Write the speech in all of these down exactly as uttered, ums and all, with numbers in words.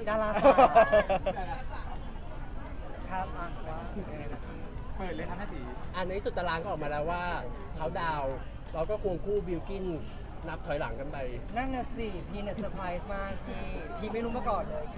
ดาราสาวครับอ่ะว่ายังไงนะเปิดเลยครับแม่ตีอันในสุดตารางก็ออกมาแล้วว่าเขาดาวน์เราก็ควงคู่บิลกินนับถอยหลังกันไปนั่นน่ะสิพี่เนี่ยเซอร์ไพรส์มากพี่พี่ไม่รู้มาก่อนเลย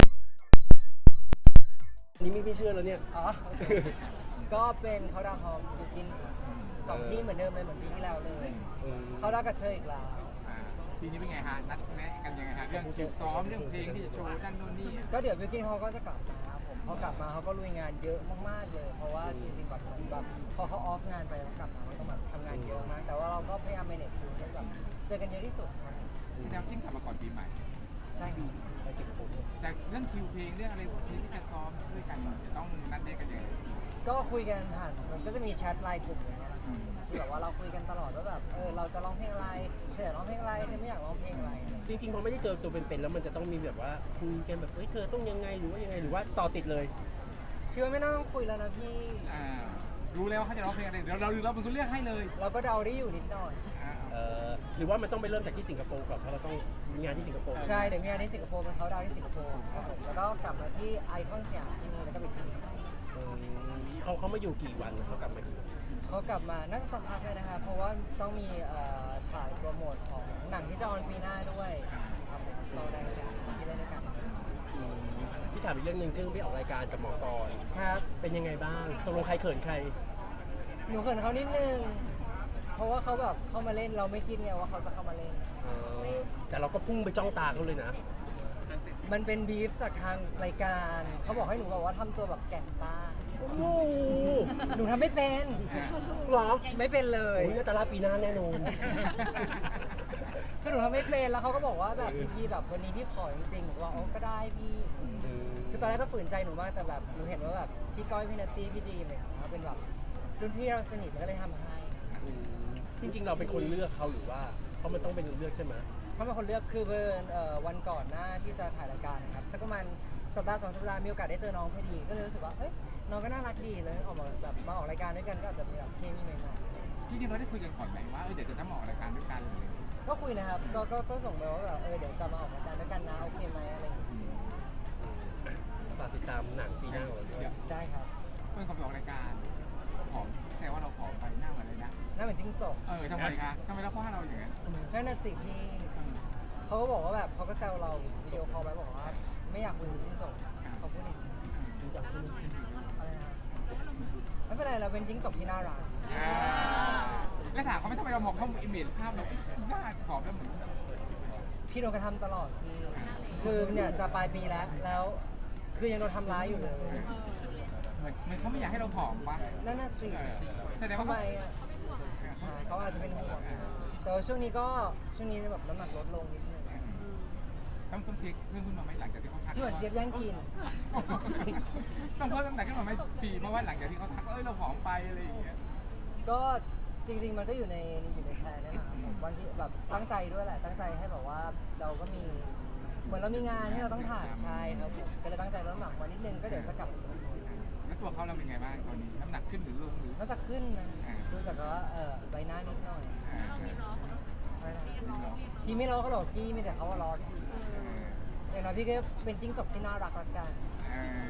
นี่ไม่พี่เชื่อแล้วเนี่ยอ๋อ ก็เป็นเขาดาวน์ฮอมบิวกินสองที่เหมือนเดิมเลยเหมือนปีที่แล้วเลยอืมเขาดาวน์กับเธออีกแล้วอ่าปีนี้เป็นไงฮะนัดแนะกันยังไงฮะเรื่องคิวซ้อมเรื่องเพลงที่จะโชว์นั่นนู่นนี่ก็เดี๋ยวบิวกินเขาก็จะกลับมาครับผมพอกลับมาเขาก็ลุยงานเยอะมากๆเลย เพราะว่าจริงๆแบบเหมือนแบบพอเขาออฟงานไปแล้วกลับมาเขาต้องแบบทำงานเยอะมาก แต่ว่าเราก็พยายาม manage คิวให้แบบเจอกันเยอะที่สุดครับแสดงว่ากิ้งกลับมาก่อนปีใหม่ใช่ครับไปสิงคโปร์แต่เรื่องคิวเพลงเรื่องอะไรเพลงที่จะซ้อมด้วยกันจะต้องนัดแนะกันยังไงก็คุยกันผ่านมันก็จะมีแชทไลน์กลุ่มอย่างเงี้ยอืมที่แบบว่าเราคุยกันตลอดว่าแบบเออเราจะร้องเพลงอะไรเธออยากร้องเพลงอะไรเธอไม่อยากร้องเพลงอะไรอะไรอย่างจเงี้ยริงๆพอไม่ได้เจอตัวเป็นๆแล้วมันจะต้องมีแบบว่าคุยกันแบบเฮ้ยเธอต้องยังไงหรือว่ายังไงหรือว่าต่อติดเลยคือว่าไม่ต้องคุยแล้วนะพี่อ่ารู้แล้วว่าเขาจะร้องเพลงอะไรเดี๋ยวเราเราเป็นคนเลือกให้เลยเราก็เดาได้อยู่นิดหน่อยอ่าเอ่อหรือว่ามันต้องไปเริ่มจากที่สิงคโปร์ก่อนเพราะเราต้องมีงานที่สิงคโปร์ใช่เดี๋ยวมีงานที่สิงคโปร์เป็นเขาดาวน์ที่สิงคโปร์ครับผมแล้วก็กลับมาที่ไอคอนสยามที่นี่แล้วก็ไปที่นี่อืมเขาเขามาอยู่กี่วันเขากลับมากี่วันเขากลับมาน่าจะสักพักเลยนะคะเพราะว่าต้องมีเอ่อถ่ายโปรโมทของหนังที่จะออนปีหน้าด้วยครับผมโซได้ด้วยกันที่เล่นด้วยกันอืมพี่ถามอีกเรื่องหนึ่งคือพี่ออกรายการกับหมอกรครับเป็นยังไงบ้างตกลงใครเขินใครหนูเขินเขานิดนึงเพราะว่าเขาแบบเข้ามาเล่นเราไม่คิดไงว่าเขาจะเข้ามาเล่นเออแต่เราก็พุ่งไปจ้องตาเขาเลยนะมันเป็นบีฟจากทางรายการเขาบอกให้หนูแบบว่าทำตัวแบบแก่นซ่าโอ้โหหนูทำไม่เป็นเหรอไม่เป็นเลยโอ้ยนาตาลาปีหน้าแน่นอนคือหนูทำไม่เป็นแล้วเขาก็บอกว่าแบบพี่แบบวันนี้พี่ขอจริงๆหนูบอกอ๋อก็ได้พี่ คือตอนแรกก็ฝืนใจหนูมากแต่แบบหนูเห็นว่าแบบพี่ก้อยพี่นัตตี้พี่ดีมเนี่ยเขาเป็นแบบรุ่นพี่เราสนิทมันก็เลยทำให้อืมจริงๆเราเป็นคนเลือกเขาหรือว่าเพราะมันต้องเป็นเลือกใช่ไหมเขาเป็นคนเลือกคือเบิร์นเอ่อวันก่อนหน้าที่จะถ่ายรายการนะครับสักประมาณสัปดาห์สองสัปดาห์มีโอกาสได้เจอน้องพอดีก็เลยรู้สึกว่าเอ้ยน้องก็น่ารักดีเลยออกมาแบบมาออกรายการด้วยกันก็อาจจะมีแบบเคมีใหม่ที่จริงเราได้คุยกันก่อนไหมว่าเออเดี๋ยวจะต้องมาออกรายการด้วยกันเลยๆก็คุยนะครับก็ก็ก็ส่งไปว่าแบบเออเดี๋ยวจะมาออกรายการด้วยกันนะโอเคไหมอะไรอย่างเงี้ยฝากติดตามหนังปีหน้าของเราด้วยเดี๋ยวได้ครับเพื่อนเขาไปออกรายการผอมแต่ว่าเราผอมไปหน้าเหมือนอะไรนะน่าเหมือนจิ้งจกเออทำไมคะทำไมเราว่าเราอย่างนั้นใช่น่ะสิพี่เขาก็บอกว่าแบบเขาก็แซวเราวิดีโอคอลไปบอกว่าไม่อยากคุยกับจิ้งจกเขาพูดอย่างนี้จริงจังใช่ไหมอะไรนะไม่เป็นไรเราเป็นจิ้งจกที่น่ารักอ่าแล้วถามเขาไม่ทำไมเรามองเขาอิมเมจภาพเราหน้าผอมแล้วเหมือนพี่โดนกระทำตลอดพี่คือเนี่ยจะปลายปีแล้วแล้วคือยังโดนทำร้ายอยู่เลยเหมือนเหมือนเขาไม่อยากให้เราผอมปะนั่นน่ะสิเออแสดงทำว่าไมเขาอ่ะอ่าเขาอาจจะเป็นห่วงแต่ว่าช่วงนี้ก็ช่วงนี้แบบน้ำหนักลดลงนิดนึงต้องต้องเทคเพื่อนขึ้นมาไหมหลังจากที่เขาทักเหมือนเจี๊ยบย่างกินต้องเพิ่มน้ำหนักขึ้นมาไหมปีเพราะว่าหลังจากที่เขาทักว่าเอ้ยเราผอมไปอะไรอย่างเงี้ยก็จริง ๆ มันก็อยู่ในอยู่ในแพลนนี่แหละครับผมวันที่แบบตั้งใจด้วยแหละตั้งใจให้แบบว่าเราก็มีเหมือนเรามีงานที่เราต้องถ่ายใช่ครับผมก็เลยตั้งใจลดน้ำหนักมานิดนึงก็เดี๋ยวจะกลับมาแล้วตัวเขาเราเป็นไงบ้างตอนนี้น้ำหนักขึ้นหรือลงหรือก็จะขึ้นนะดูจากว่าเออใบหน้านิดหน่อยอ่าไม่นะพี่ไม่รอเขาหรอกพี่มีแต่เขาว่ารอพี่อย่างน้อยพี่ก็เป็นจิ้งจกที่น่ารักละกันเออ